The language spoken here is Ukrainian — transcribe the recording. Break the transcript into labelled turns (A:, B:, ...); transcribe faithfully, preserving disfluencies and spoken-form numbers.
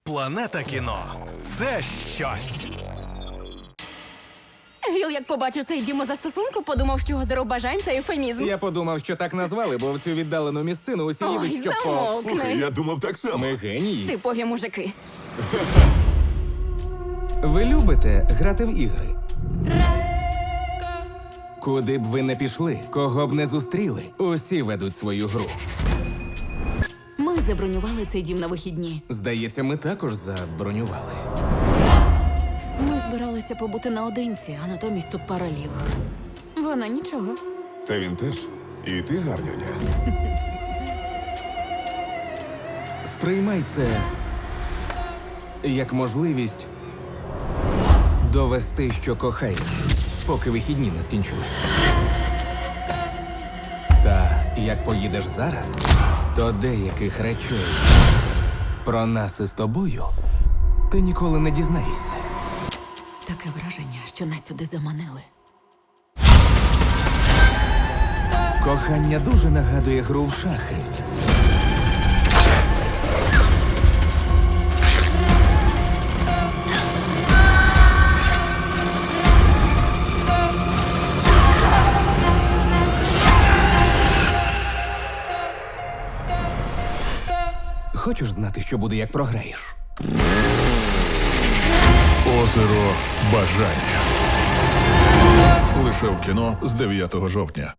A: Планета кіно – це щось.
B: Віл, як побачив цей дім застосунку, подумав, що озеро бажань – це ефемізм.
C: Я подумав, що так назвали, бо в цю віддалену місцину усі
B: Ой,
C: їдуть, щоб по...
B: замовкни.
D: Слухай, я думав так само.
C: Ми генії.
B: Типові мужики.
C: Ви любите грати в ігри? Куди б ви не пішли, кого б не зустріли, усі ведуть свою гру.
E: Ми забронювали цей дім на вихідні.
C: Здається, ми також забронювали.
E: Ми збиралися побути наодинці, а натомість тут пара лівих. Вона нічого.
D: Та він теж. І ти гарнюня.
C: Сприймай це як можливість довести, що кохаєш, поки вихідні не скінчились. Та як поїдеш зараз, то деяких речей про нас із тобою ти ніколи не дізнаєшся.
E: Таке враження, що нас сюди заманили.
C: Кохання дуже нагадує гру в шахи. Хочеш знати, що буде, як програєш?
F: Озеро бажання. Лише в кіно з дев'ятого жовтня.